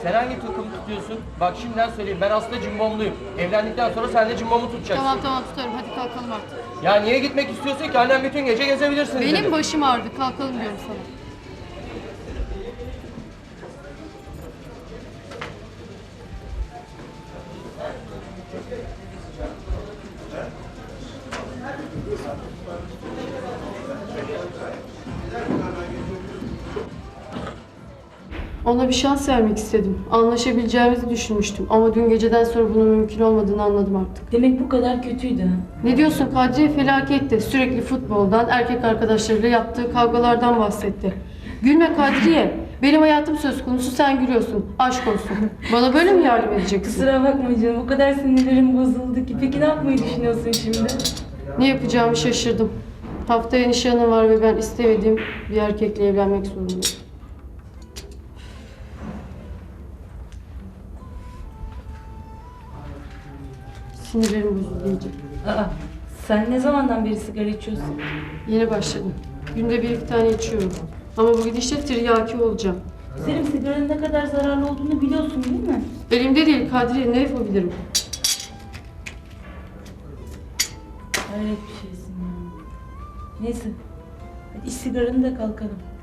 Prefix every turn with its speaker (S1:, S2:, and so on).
S1: Sen hangi takımı tutuyorsun? Bak şimdiden söyleyeyim, ben aslında cimbomluyum. Evlendikten sonra sen de cimbomu tutacaksın.
S2: Tamam tamam tutarım, hadi kalkalım artık.
S1: Ya niye gitmek istiyorsun ki? Annem bütün gece gezebilirsiniz dedi.
S2: Benim başım ağrıdı, kalkalım diyorum sana. Ona bir şans vermek istedim. Anlaşabileceğimizi düşünmüştüm. Ama dün geceden sonra bunun mümkün olmadığını anladım artık.
S3: Demek bu kadar kötüydü ha.
S2: Ne diyorsun Kadriye? Felaketti. Sürekli futboldan, erkek arkadaşlarıyla yaptığı kavgalardan bahsetti. Gülme Kadriye. Benim hayatım söz konusu, sen gülüyorsun. Aşk olsun. Bana böyle mi yardım edeceksin?
S3: Kusura bakma canım, o kadar sinirlerim bozuldu ki. Peki ne yapmayı düşünüyorsun şimdi?
S2: Ne yapacağımı şaşırdım. Haftaya nişanım var ve ben istemediğim bir erkekle evlenmek zorundayım. Sinirlerim bozuldu iyice.
S3: Aa, sen ne zamandan beri sigara içiyorsun?
S2: Yeni başladım. Günde 1-2 tane içiyorum. Ama bu gidişle tiryaki olacağım.
S3: Güzelim, sigaranın ne kadar zararlı olduğunu biliyorsun değil mi?
S2: Elimde değil Kadriye, ne yapabilirim?
S3: Hayret bir şeysin ya. Neyse, hadi iç sigaranı da kalkalım.